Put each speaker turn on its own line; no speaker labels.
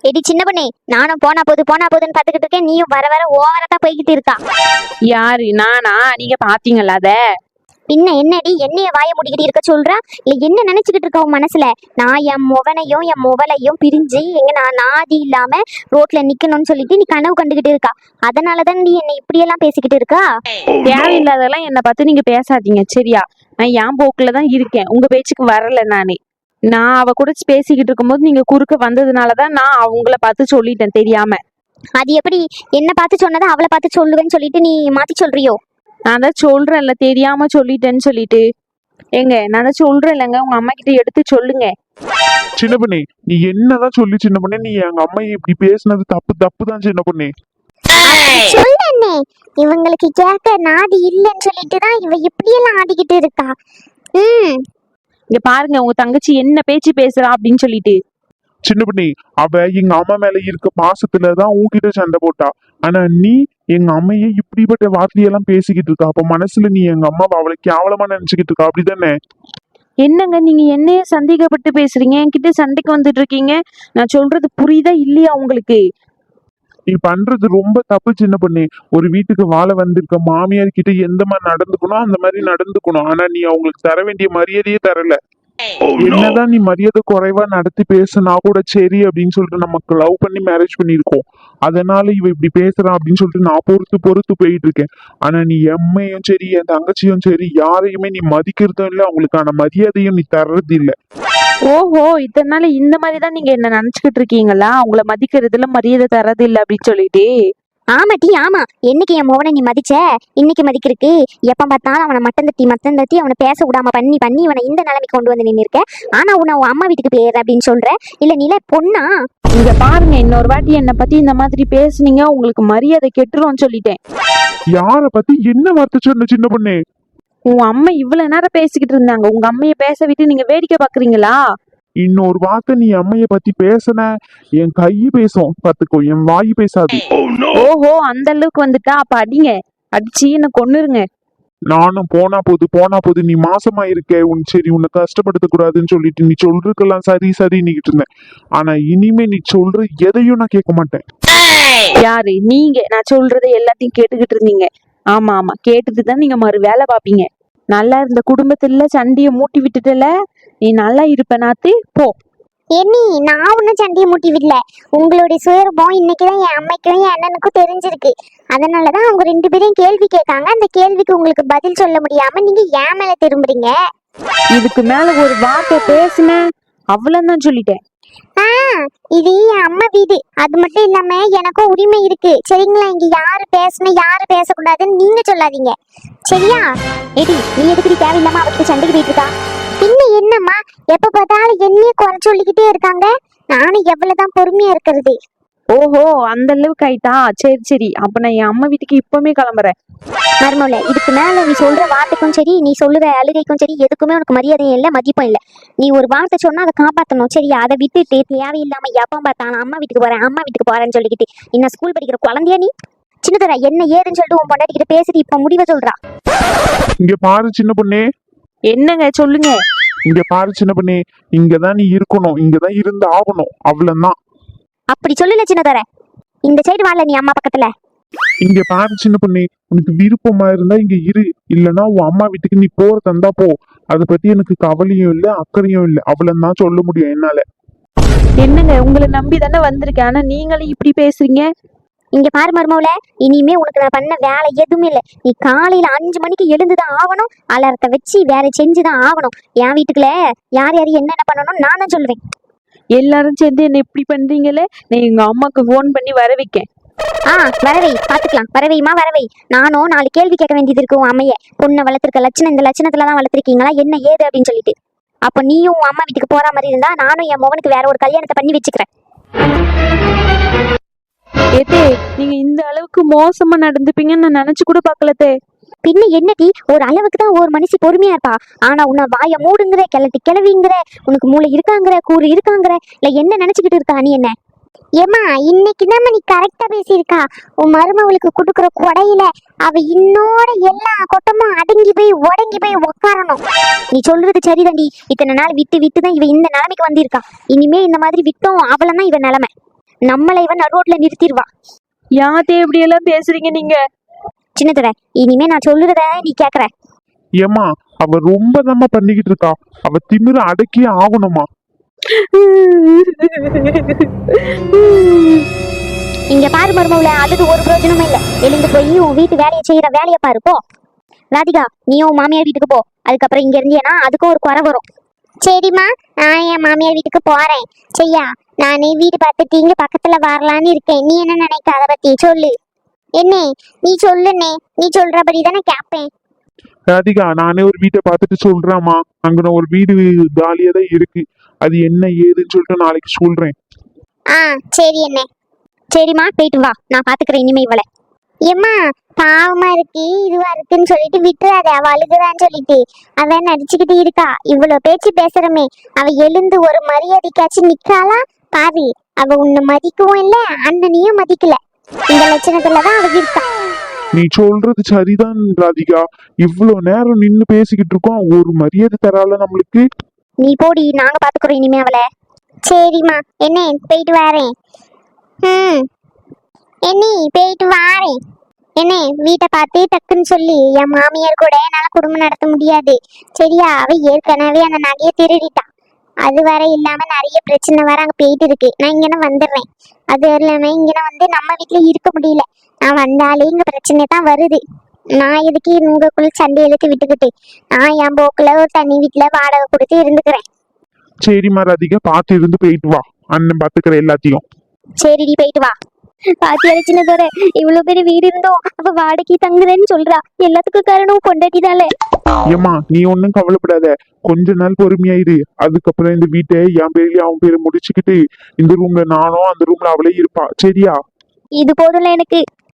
Eddy சின்ன பண்ணே, நானும் போனா போதுன்னு பாத்துக்கிட்டு இருக்கேன். நீயும் வர வர ஓவரா தான் போய்கிட்டு இருக்கா.
யாரு நானா? நீங்க பாத்தீங்களா அத?
பின்ன என்னடி என்னைய வாய மூடிக்கிட்டு இருக்க சொல்றா? இல்ல என்ன நினைச்சுக்கிட்டு இருக்க உன் மனசுல? நான் என் முகனையும் என் முகலையும் பிரிஞ்சு எங்க நான் நாதி இல்லாம ரோட்ல நிக்கணும்னு சொல்லிட்டு நீ கனவு கண்டுகிட்டு இருக்கா. அதனாலதான் நீ என்னை இப்படியெல்லாம் பேசிக்கிட்டு இருக்கா.
தேவையில்லாதெல்லாம் என்ன பார்த்து நீங்க பேசாதீங்க சரியா? நான் என் போக்குல தான் இருக்கேன், உங்க பேச்சுக்கு வரல நானே. நான் அவ கூட பேசிக்கிட்டு இருக்கும்போது நீங்க குறுக்க வந்ததுனாலதான் நான் அவங்கள பார்த்து சொல்லிட்டேன் தெரியாம.
அது எப்படி என்ன பார்த்து சொன்னதை அவளை பார்த்து சொல்லுவேன்னு சொல்லிட்டு நீ மாத்தி சொல்றியோ?
நான் தான் சொல்றேன்ல தெரியாம சொல்லிட்டேன்னு சொல்லிட்டு. ஏங்க நான் தான் சொல்றேன் இல்லைங்க, உங்க அம்மா கிட்ட எடுத்து சொல்லுங்க.
சின்ன பொண்ணே, நீ என்னதான் சொல்லி சின்ன பொண்ணே, நீ எங்க அம்மையை இப்படி பேசுனது தப்பு தான் சின்ன பொண்ணே.
சொல்லண்ணே, இவங்களுக்கு கேட்க நாதி இல்லைன்னு சொல்லிட்டு தான் இவ இப்படியெல்லாம் ஆடிக்கிட்டு இருக்கா.
இங்க பாருங்க உங்க தங்கச்சி என்ன பேச்சு பேசுறா அப்படின்னு சொல்லிட்டு.
சின்ன பொண்ணே, அவ எங்க அம்மா மேல இருக்க பாசத்துலதான் உன்கிட்ட சண்டை போட்டா. ஆனா நீ எங்க அம்மையை இப்படிப்பட்ட வார்த்தையெல்லாம் பேசிக்கிட்டு இருக்கா. அப்ப மனசுல நீ எங்க அம்மாவை அவளை கேவலமா நினைச்சுக்கிட்டு இருக்கா, அப்படிதானே?
என்னங்க நீங்க என்னைய சந்தேகப்பட்டு பேசுறீங்க, என்கிட்ட சண்டைக்கு வந்துட்டு இருக்கீங்க. நான் சொல்றது புரியுதா இல்லையா உங்களுக்கு?
நீ பண்றது ரொம்ப தப்பு சின்ன பொண்ணே. ஒரு வீட்டுக்கு வாழ வந்திருக்க மாமியார் கிட்ட எந்த மாதிரி நடந்துக்கணும் அந்த மாதிரி நடந்துக்கணும். ஆனா நீ அவங்களுக்கு தர வேண்டிய மரியாதையே தரல. என்னதான் நீ மரியாதை குறைவா நடத்தி பேசுனா கூட சரி அப்படின்னு சொல்லிட்டு நமக்கு லவ் பண்ணி மேரேஜ் பண்ணிருக்கோம். அதனால இவ இப்படி பேசுறான் அப்படின்னு சொல்லிட்டு நான் பொறுத்து போயிட்டு இருக்கேன். ஆனா நீ எம்மையும் சரி என் தங்கச்சியும் சரி யாரையுமே நீ மதிக்கிறதும் இல்லை, அவங்களுக்கான மரியாதையும் நீ தர்றது இல்லை.
ஓஹோ, இத்தனை நாள் இந்த மாதிரிதான் நீங்க என்ன நினைச்சுக்கிட்டு இருக்கீங்களா? அவங்கள மதிக்கிறதுல மரியாதை தரது இல்லை அப்படின்னு சொல்லிட்டு.
ஆமாட்டி ஆமா, என்னைக்கு என் மோகனை நீ மதிச்ச? இன்னைக்கு மதிக்கிறதுக்கு எப்ப பார்த்தாலும் அவனை மட்டம் தட்டி அவனை பேச விடாம பண்ணி இவனை இந்த நிலைமைக்கு கொண்டு வந்து நின்று இருக்க. ஆனா உன்னை உன் அம்மா வீட்டுக்கு போயிடுற அப்படின்னு சொல்ற. இல்ல நீல பொண்ணா?
இங்க பாருங்க, இன்னொரு வாட்டி என்னை பத்தி இந்த மாதிரி பேசுனீங்க உங்களுக்கு மரியாதை கெட்டுரும்னு சொல்லிட்டேன்.
யார பத்தி என்ன வார்த்தை சொன்ன சின்ன பொண்ணே?
உங்க அம்மா இவ்வளவு நேரம் பேசிக்கிட்டு இருந்தாங்க, உங்க அம்மைய பேச விட்டு நீங்க வேடிக்கை பாக்குறீங்களா?
இன்னொரு வார்த்தை நீ அம்மைய பத்தி பேசுன என் கை பேசும் பாத்துக்கோ, என் வாய் பேசாது.
ஓஹோ, அந்த அளவுக்கு வந்துட்டா அப்ப அடிங்க, அடிச்சு என்ன கொன்னுருங்க.
நானும் போனா போது நீ மாசமா இருக்க சரி உன்னை கஷ்டப்படுத்த கூடாதுன்னு சொல்லிட்டு நீ சொல்றதுக்கெல்லாம் சரி நிக்கிட்டு இருந்தேன். ஆனா இனிமே நீ சொல்ற எதையும் நான் கேட்க மாட்டேன்.
யாரு நீங்க? நான் சொல்றதை எல்லாத்தையும் கேட்டுக்கிட்டு இருந்தீங்க. ஆமா ஆமா, கேட்டுட்டு தான் நீங்க மறு வேலை பாப்பீங்க. நல்லா இருந்த குடும்பத்துல சண்டைய மூட்டி விட்டுட்டல, நீ நல்லா இருப்ப நாத்து போ.
என்னி நான் ஒன்னும் சண்டையை மூட்டி விடல. உங்களுடைய சுயரூபம் இன்னைக்குதான் என் அம்மைக்கும் என் அண்ணனுக்கும் தெரிஞ்சிருக்கு. அதனாலதான் அவங்க 2 பேரையும் கேள்வி கேட்காங்க. அந்த கேள்விக்கு உங்களுக்கு பதில் சொல்ல முடியாம நீங்க ஏன் மேல திரும்புறீங்க.
இதுக்கு மேல ஒரு வார்த்தை பேசுன அவ்வளவுதான் சொல்லிட்டேன்.
இது என் அம்மா வீடு, அது மட்டும் இல்லாம எனக்கும் உரிமை இருக்கு சரிங்களா? இங்க யாரு பேசணும் யாரு பேசக்கூடாதுன்னு நீங்க சொல்லாதீங்க சரியா? எடி நீ எதுக்கு தேவையில்லாம அவருக்கு சண்டைக்கு போயிட்டு இருக்கா? பின்ன என்னம்மா எப்ப பார்த்தாலும் என்னையே குறை சொல்லிக்கிட்டே இருக்காங்க. நானும் எவ்வளவுதான் பொறுமையா இருக்கிறது.
ஓஹோ, அந்த அளவுக்கு ஆயிட்டா? சரி அப்ப நான் என் அம்மா வீட்டுக்கு இப்பவுமே கிளம்புறேன்.
மருமல, இதுக்கு மேல நீ சொல்ற வார்த்தைக்கும் சரி நீ சொல்லுற அழுகைக்கும் சரி எதுக்குமே உனக்கு மரியாதையும் இல்லை மதிப்பும் இல்லை. நீ ஒரு வார்த்தை சொன்னா அதை காப்பாற்றணும் சரியா? அதை விட்டுட்டு தேவையில்லாம எப்ப பார்த்தாலும் அம்மா வீட்டுக்கு போறேன்னு சொல்லிக்கிட்டு இன்னும் ஸ்கூல் படிக்கிற குழந்தையா நீ? சின்னதர என்ன ஏதுன்னு சொல்லிட்டு உன் பொண்டாட்டிக்கிட்ட பேசிட்டு இப்ப முடிவை சொல்றா.
இங்க பாரு சின்ன பொண்ணே.
என்னங்க சொல்லுங்க.
இங்க பாரு சின்ன பொண்ணே, இங்கதான் நீ இருக்கணும், இங்கதான் இருந்து ஆகணும், அவ்வளவுதான்.
அப்படி சொல்லல சின்னதர, இந்த சைடு வாழ நீ அம்மா பக்கத்துல.
இங்க பாரு சின்ன பொண்ணே, உனக்கு விருப்பமா இருந்தா இங்க இரு, இல்லன்னா உன் அம்மா வீட்டுக்கு நீ போற தந்தா போ. அதை பத்தி எனக்கு கவலையும் இல்லை அக்கறையும் இல்லை, அவ்வளவுதான் சொல்ல முடியும் என்னால.
என்னங்க உங்களை நம்பி தானே வந்திருக்கேன், ஆனா நீங்களும் இப்படி பேசுறீங்க.
இங்க பாரு மருமவுல, இனிமே உனக்கு நான் பண்ண வேலை எதுவுமே இல்லை. நீ காலையில 5 மணிக்கு எழுந்துதான் ஆகணும், அலாரத்தை வச்சு வேற செஞ்சுதான் ஆகணும். என் வீட்டுக்குள்ள யார் என்னென்ன பண்ணணும் நான் தான் சொல்லுவேன்.
எல்லாரும் சேர்ந்து என்ன இப்படி பண்றீங்களே, நான் எங்க அம்மாக்கு போன் பண்ணி வர வைக்கேன்.
வரவை பாத்துக்கலாம், வரவை. நானும் 4 கேள்வி கேட்க வேண்டியது இருக்கு உன் அம்மைய. பொண்ணை வளர்த்துருக்க லட்சணம் இந்த லட்சணத்துலதான் வளர்த்துருக்கீங்களா என்ன ஏது அப்படின்னு சொல்லிட்டு. அப்ப நீயும் உன் அம்மா வீட்டுக்கு போற மாதிரி இருந்தா நானும் என் மகனுக்கு வேற ஒரு கல்யாணத்தை பண்ணி வச்சுக்கிறேன்.
ஏத்தே, நீங்க இந்த அளவுக்கு மோசமா நடந்துப்பீங்கன்னு நான் நினைச்சு கூட பாக்கலத்தே.
பின்ன என்னடி, ஒரு அளவுக்கு தான் ஒரு மனுஷி பொறுமையா இருப்பா. ஆனா உன்னை வாய மூடுங்கிற, கிளவிங்கிற, உனக்கு மூளை இருக்காங்கிற, கூறு இருக்காங்கிற, இல்ல என்ன நினைச்சுக்கிட்டு இருக்கா நீ? என்ன ஏமா இன்னைக்குதான் நீ கரெக்டா பேசியிருக்கா. உன் மருமவளுக்கு கொடுக்குற கொடையில அவ இன்னோட எல்லா கொட்டமும் அடங்கி போய் உடங்கி போய் உக்காரணும். நீ சொல்றது சரிதாண்டி. இத்தனை நாள் விட்டுதான் இவ இந்த நிலைமைக்கு வந்திருக்கா. இனிமே இந்த மாதிரி விட்டோம் அவளதான் இவ நிலைமை. நம்மளை இவன் நடு ரோட்ல நிறுத்திடுவா.
யாத்தே இப்படி எல்லாம் பேசுறீங்க நீங்க?
சின்னதுரை, இனிமே நான் சொல்லுறத நீ கேக்குற.
ஏம்மா அவ ரொம்ப தாம்மா பண்ணிக்கிட்டு இருக்கா. அவ திமிர அடக்கியே ஆகணுமா.
இங்க பாரு மருமவுல, அதுக்கு ஒரு பிரயோஜனமும் இல்ல. எழுந்து போய் உன் வீட்டு வேலையை செய்யற வேலையை பாரு போ. ராதிகா, நீயும் உன் மாமியார் வீட்டுக்கு போ. அதுக்கப்புறம் இங்க இருந்தீங்கன்னா அதுக்கும் ஒரு குறை வரும். சரிம்மா, நான் என் மாமியார் வீட்டுக்கு போறேன். செய்யா, நானே வீடு பார்த்துட்டு இங்க பக்கத்துல வரலான்னு இருக்கேன். நீ என்ன நினைக்க அதை பத்தி சொல்லு. என்ன நீ சொல்லுனே, நீ சொல்றபடி தானே கேட்பேன்.
ராதிகா, நானே ஒரு வீட்டை பார்த்துட்டு சொல்றேம்மா. அங்க ஒரு வீடு காலியா தான் இருக்கு. அது என்ன ஏதுன்னு சொல்லிட்டு நாளைக்கு சொல்றேன்.
ஆ சரி என்ன. சரிம்மா, போயிட்டு வா, நான் பாத்துக்கிறேன் இனிமே இவளை. ஏம்மா, பாவமா இருக்கு இதுவா இருக்குன்னு சொல்லிட்டு விட்டுறாத. அவ அழுகுறான்னு சொல்லிட்டு அவன் நடிச்சுக்கிட்டு இருக்கா. இவ்வளவு பேச்சு பேசுறமே, அவ எழுந்து ஒரு மரியாதைக்காச்சும் நிக்காளா பாரு. அவ உன்னை மதிக்கவும் இல்ல, அண்ணனையும் மதிக்கல. இந்த லட்சணத்துலதான் அவ இருக்கா.
நீ சொல்றது சரிதான் ராதிகா. இவ்வளவு நேரம் நின்னு பேசிக்கிட்டு இருக்கோம், ஒரு மரியாதை தரால நம்மளுக்கு.
நீ போடி, நாங்க பாத்துக்கிறோம் இனிமே அவளை. சரிம்மா, என்ன போயிட்டு வரேன். என்ன போயிட்டு வாரேன். என்ன வீட்டை பார்த்து டக்குன்னு சொல்லி, என் மாமியார் கூட என்னால குடும்பம் நடத்த முடியாது. சரியா, அவ ஏற்கனவே அந்த நகையை திருடிட்டா. அது வர இல்லாம நிறைய பிரச்சனை வர அங்க போயிட்டு இருக்கு. நான் இங்கன வந்துடுறேன். அது இல்லாம இங்கன வந்து நம்ம வீட்டுல இருக்க முடியல. நான் வந்தாலே இங்க பிரச்சனை தான் வருது. நான் எதுக்கு உங்களுக்குள்ள சண்டை இழுத்து விட்டுக்கிட்டு, நான் என் போக்குல ஒரு தனி வீட்டுல வாடகை கொடுத்து இருந்துக்கிறேன்.
சரிம்மா ராதிகா, பார்த்து இருந்து போயிட்டு வா. அண்ணன் பாத்துக்கிற எல்லாத்தையும்.
சரிடி, போயிட்டு வா. பாத்தி அடிச்சுனதோட இவ்வளவு பெரிய வீடு இருந்தோம் அவ வாடகை தங்குறேன்னு சொல்றா. எல்லாத்துக்கும் காரணம் பொண்டாட்டினாலே.
ஏம்மா நீ ஒன்னும் கவலைப்படாத. கொஞ்ச நாள் பொறுமையாயிரு. அதுக்கப்புறம் இந்த வீட்டை என் பேர்லயும் அவன் பேரை முடிச்சுக்கிட்டு இந்த ரூம்ல நானும் அந்த ரூம்ல அவளே இருப்பா. சரியா?
இது போதும்ல எனக்கு.